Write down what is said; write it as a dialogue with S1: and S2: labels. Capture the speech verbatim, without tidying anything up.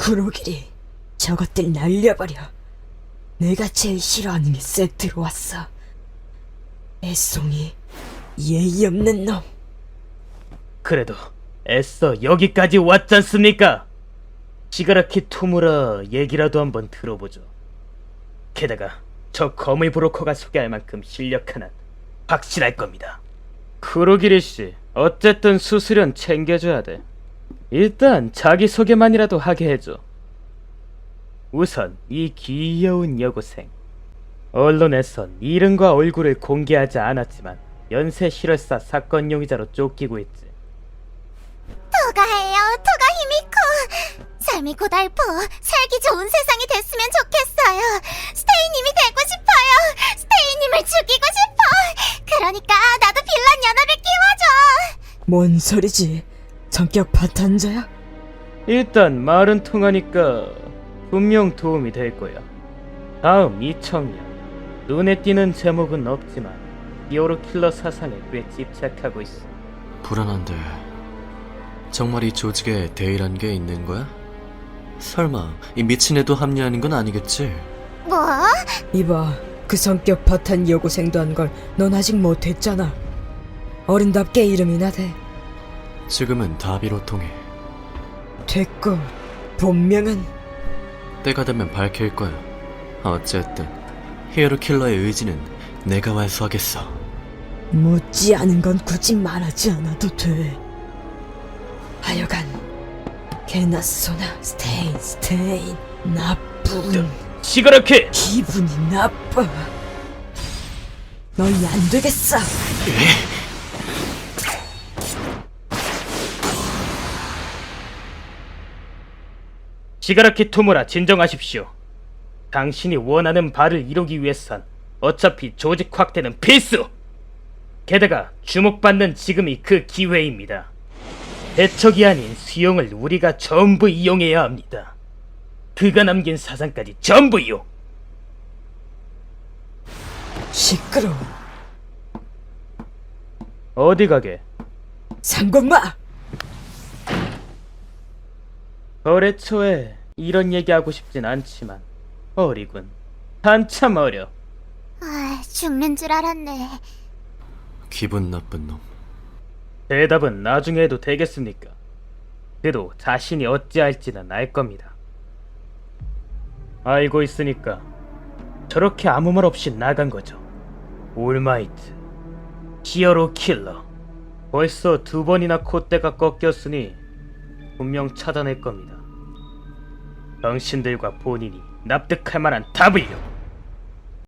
S1: 구로길이 저것들 날려버려. 내가 제일 싫어하는 게 세트로 왔어. 애송이 예의 없는 놈.
S2: 그래도 애써 여기까지 왔잖습니까? 시가라키 토무라 얘기라도 한번 들어보죠. 게다가 저 거물 브로커가 소개할 만큼 실력 하나는 확실할 겁니다. 쿠로기리 씨, 어쨌든 수수료는 챙겨줘야 돼. 일단 자기소개만이라도 하게 해줘. 우선 이 귀여운 여고생, 언론에선 이름과 얼굴을 공개하지 않았지만 연쇄 실혈사 사건 용의자로 쫓기고 있지.
S3: 토가예요, 토가 히미코. 삶이 고달퍼 살기 좋은 세상이 됐으면 좋겠어요. 스테이님이 되고 싶어요. 스테이님을 죽이고 싶어. 그러니까 나도 빌런 연합에 끼워줘.
S1: 뭔 소리지? 성격 파탄자야?
S2: 일단 말은 통하니까 분명 도움이 될 거야. 다음 이 청년, 눈에 띄는 제목은 없지만 히어로 킬러 사상에 꽤 집착하고 있어.
S4: 불안한데 정말 이 조직에 대의란 게 있는 거야? 설마 이 미친 애도 합류하는 건 아니겠지?
S3: 뭐?
S1: 이봐, 그 성격 파탄 여고생도 한 걸 넌 아직 못했잖아. 어른답게 이름이나 대.
S4: 지금은 다비로 통해.
S1: 됐고, 본명은?
S4: 때가 되면 밝힐 거야. 어쨌든 히어로 킬러의 의지는 내가 완수하겠어.
S1: 묻지 않은 건 굳이 말하지 않아도 돼. 하여간 개나소나 스테인 스테인 나쁜.
S2: 시가라키!
S1: 기분이 나빠. 너희 안 되겠어.
S2: 시가라키 토무라, 진정하십시오. 당신이 원하는 바를 이루기 위해선 어차피 조직 확대는 필수! 게다가 주목받는 지금이 그 기회입니다. 배척이 아닌 수용을 우리가 전부 이용해야 합니다. 그가 남긴 사상까지 전부 이용!
S1: 시끄러워.
S2: 어디 가게?
S1: 상관마.
S2: 거래처에 이런 얘기하고 싶진 않지만 어리군. 한참 어려.
S3: 아, 죽는 줄 알았네.
S4: 기분 나쁜 놈.
S2: 대답은 나중에 해도 되겠습니까? 그래도 자신이 어찌할지는 알 겁니다. 알고 있으니까 저렇게 아무 말 없이 나간 거죠. 올마이트, 히어로 킬러. 벌써 두 번이나 콧대가 꺾였으니 분명 차단할 겁니다. 당신들과 본인이 납득할 만한 답을요.